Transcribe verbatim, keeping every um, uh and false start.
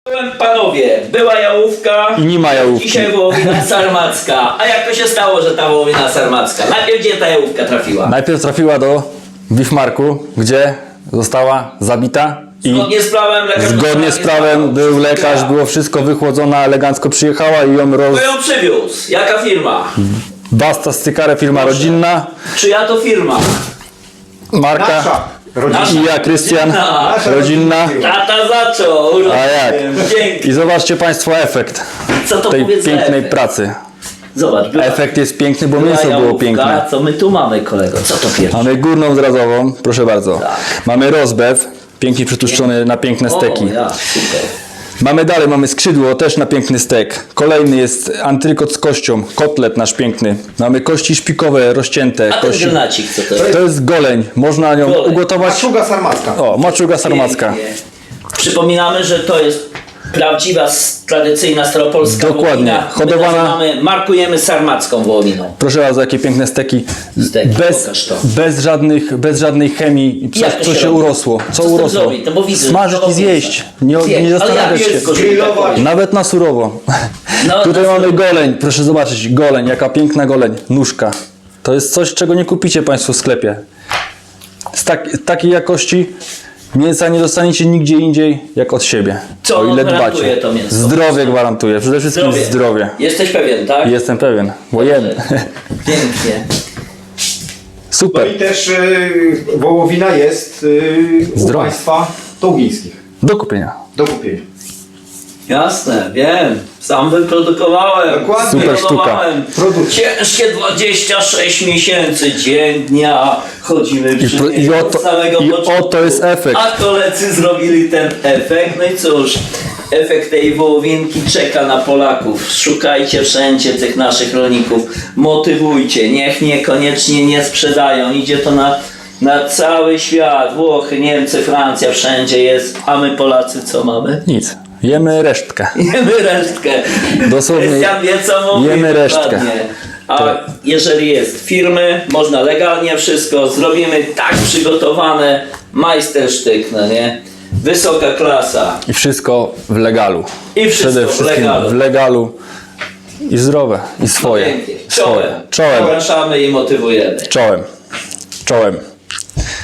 Panowie, była jałówka i nie ma jałówki. Dzisiaj wołowina sarmacka. A jak to się stało, że ta wołowina sarmacka? Najpierw gdzie ta jałówka trafiła? Najpierw trafiła do Wismarku, gdzie została zabita i Zgodnie z prawem lekarz zgodnie z prawem był lekarz, było wszystko wychłodzona, elegancko przyjechała i ją roz... Kto ją przywiózł? Jaka firma? Basta Stykare, firma Proszę. rodzinna, Czyja to firma? marka Nasza. Nasza. i ja, Krystian, Nasza. rodzinna. Tata zaczął. A jak? Dzięki. I zobaczcie Państwo efekt Co to tej powiedz za pięknej efekt? pracy. Zobacz, była, Efekt jest piękny, bo była mięso było jałówka. piękne. Co my tu mamy, kolego? Co to pierwsze? Mamy górną zrazową, proszę bardzo. Tak. Mamy rozbew, pięknie przytłuszczony na piękne steki. O, ja, super. Mamy dalej, mamy skrzydło, też na piękny stek. Kolejny jest antrykot z kością, kotlet nasz piękny. Mamy kości szpikowe, rozcięte. A ten kości... granacik, co to jest? To jest goleń, można nią Goleń. ugotować. Maczuga sarmacka. O, maczuga sarmacka. Pięknie. Przypominamy, że to jest prawdziwa, s- tradycyjna staropolska Dokładnie. wołowina. Hodowana- My nazywamy, markujemy sarmacką wołowiną. Proszę bardzo, jakie piękne steki. Steki, bez, pokaż to. bez, żadnych, bez żadnej chemii. Coś, Jak to co się się robi? urosło. Co, Co z tym urosło? zrobić? No bo widzę, Smażyć że i zjeść. Nie, Zjeść. nie Ale jak zastanawiać się. mięsko, żeby Grillować. tak powiedzieć. Nawet na surowo. No, Tutaj na mamy surowo. goleń, proszę zobaczyć, goleń, jaka piękna goleń, nóżka. To jest coś, czego nie kupicie Państwo w sklepie. Z tak, takiej jakości mięsa nie dostaniecie nigdzie indziej jak od siebie. Co o ile gwarantuje dbacie. to mięso? Zdrowie gwarantuje, przede wszystkim zdrowie. zdrowie. Jesteś pewien, tak? Jestem pewien, bo jem. Pięknie. No Super. i też y, wołowina jest y, u Zdrowa. Państwa tołgińskich. Do kupienia. Do kupienia. Jasne, wiem. Sam wyprodukowałem. Dokładnie. Super sztuka. Wyprodukowałem. Produkt. Ciężkie dwadzieścia sześć miesięcy, dzień, dnia. Chodzimy przy pro- i nim oto- od samego i początku. oto jest efekt. A koledzy zrobili ten efekt. No i cóż, efekt tej wołowinki czeka na Polaków. Szukajcie wszędzie tych naszych rolników. Motywujcie. Niech niekoniecznie nie sprzedają. Idzie to na, na cały świat. Włochy, Niemcy, Francja, wszędzie jest. A my Polacy co mamy? Nic. Jemy resztkę. Jemy resztkę. Dosłownie Krystian wie co mówi. jemy resztkę. dokładnie. A Tak. jeżeli jest firmy, można legalnie wszystko, zrobimy tak przygotowane, majstersztyk, no nie? Wysoka klasa. I wszystko w legalu. I wszystko Przede w wszystkim legalu. w legalu. I zdrowe. I swoje. Pięknie. Swoje. Czołem. Czołem. Zapraszamy i motywujemy. Czołem. Czołem.